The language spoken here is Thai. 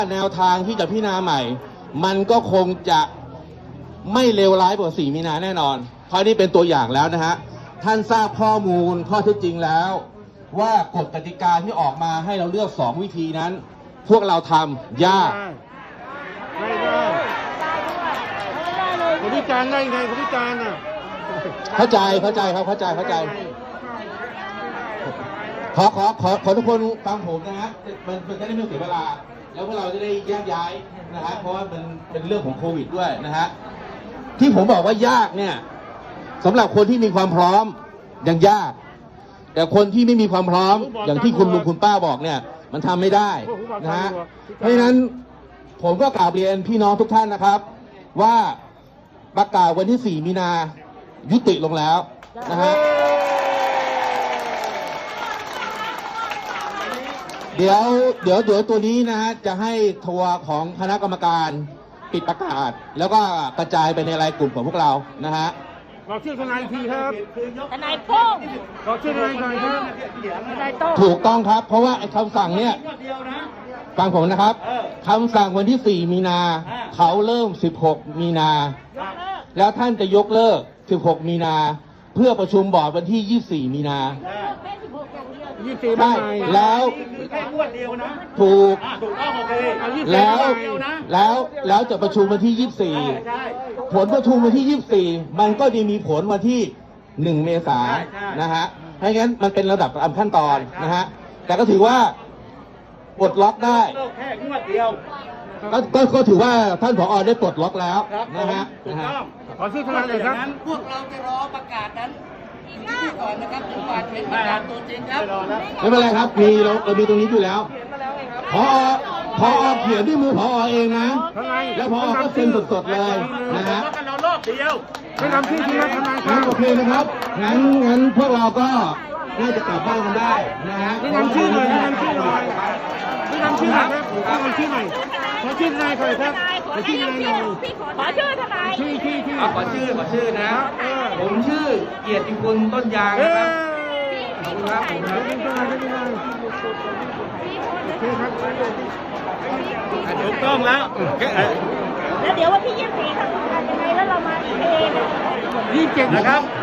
แนวทางที่จะพิจารณาใหม่มันก็คงจะไม่เลวร้ายกว่า4 มีนาแน่นอนเพราะนี่เป็นตัวอย่างแล้วนะฮะท่านทราบข้อมูลข้อเท็จจริงแล้วว่ากฎกติกาที่ออกมาให้เราเลือก2 วิธีนั้นพวกเราทำยากไม่ได้คุณพิจารณ์ได้ไงคุณพิจารณ์น่ะเข้าใจครับเข้าใจขอทุกคนฟังผมนะฮะมันจะได้ไม่เสียเวลาแล้วพวกเราจะได้แยกย้ายนะฮะเพราะว่ามันเป็นเรื่องของโควิดด้วยนะฮะที่ผมบอกว่ายากเนี่ยสำหรับคนที่มีความพร้อมยังยากแต่คนที่ไม่มีความพร้อมอย่างที่คุณลุงคุณป้าบอกเนี่ยมันทำไม่ได้นะฮะเพราะฉะนั้นผมก็กราบเรียนพี่น้องทุกท่านนะครับว่าประกาศวันที่ 4 มีนายุติลงแล้วนะฮะเดี๋ยวตัวนี้นะฮะจะให้ทัวร์ของคณะกรรมการปิดประกาศแล้วก็กระจายไปในรายกลุ่มของพวกเรานะฮะบอกชื่อทนายอีกทีครับทนายโป้งบอกชื่อทนายหน่อยครับทนายโต้งถูกต้องครับเพราะว่าไอ้คำสั่งเนี่ยฟังผมนะครับคำสั่งวันที่ 4 มีนาเขาเริ่ม 16 มีนาแล้วท่านจะยกเลิก 16 มีนาเพื่อประชุมบอร์ดวันที่ 24 มีนาใช่แล้วแค่งวดเดียวนะถูกต้องโอเคแล้วจะประชุมวันที่ 24 ผลประชุมวันที่ 24 มันก็จะมีผลวันที่ 1 เมษายนนะฮะเพราะงั้นมันเป็นระดับตามขั้นตอนนะฮะแต่ก็ถือว่าปลดล็อกได้แค่งวดเดียวก็ถือว่าท่านผอ.ได้ปลดล็อกแล้วนะฮะขอชื่อทนายเลยครับพวกเราจะรอประกาศนั้นอีกที่ก่อนนะครับจนกว่าจะเป็นประกาศตัวจริงครับไม่เป็นไรครับเรามีตรงนี้อยู่แล้วผอ.เขียนด้วยมือผอ.เองนะแล้วผอ.ก็เซ็นสดๆเลยนะฮะเรารอบเดียวไม่นำชื่อที่ทนายครับโอเคนะครับงั้นพวกเราก็น่าจะกลับบ้านกันได้นะฮะไม่นำชื่อหน่อยไม่นำชื่อหน่อยไม่นำชื่อหน่อยครับไม่นำชื่อหน่อยขอชื่อทนายหน่อยครับขอชื่อทนายหน่อยขอชื่อทนายชื่อขอชื่อนะผมชื่อเกียรติคุณต้นยางนะครับขอบคุณครับถูกต้องแล้วแล้วเดี๋ยววันที่ 24 ทำงานยังไงแล้วเรามาอีกเอง 27นะครับ